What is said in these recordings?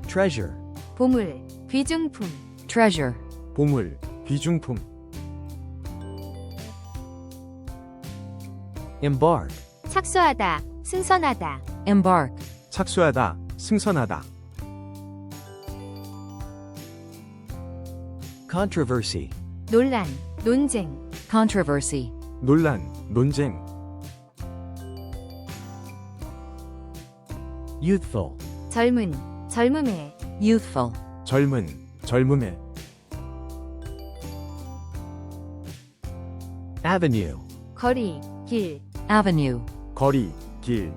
treasure, 보물, 귀중품, treasure, 보물, 귀중품. embark, 착수하다, 승선하다, embark, 착수하다, 승선하다. controversy, 논란, 논쟁, controversy, 논란, 논쟁. youthful, 젊은, 젊음의, youthful, 젊은, 젊음의. avenue, 거리, 길, avenue, 거리, 길.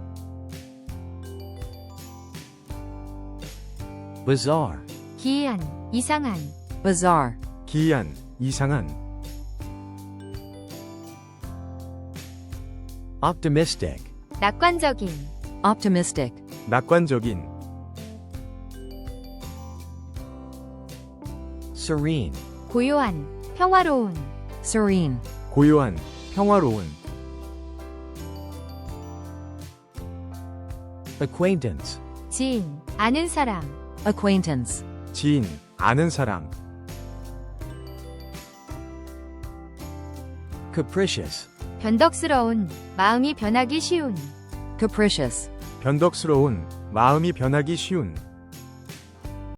bizarre, 기이한, 이상한, bizarre, 기이한, 이상한. optimistic, 낙관적인, optimistic, 낙관적인. serene, 고요한, 평화로운, serene, 고요한, 평화로운. acquaintance, 지인, 아는 사람, acquaintance, 지인, 아는 사람. capricious, 변덕스러운, 마음이 변하기 쉬운, capricious, 변덕스러운, 마음이 변하기 쉬운.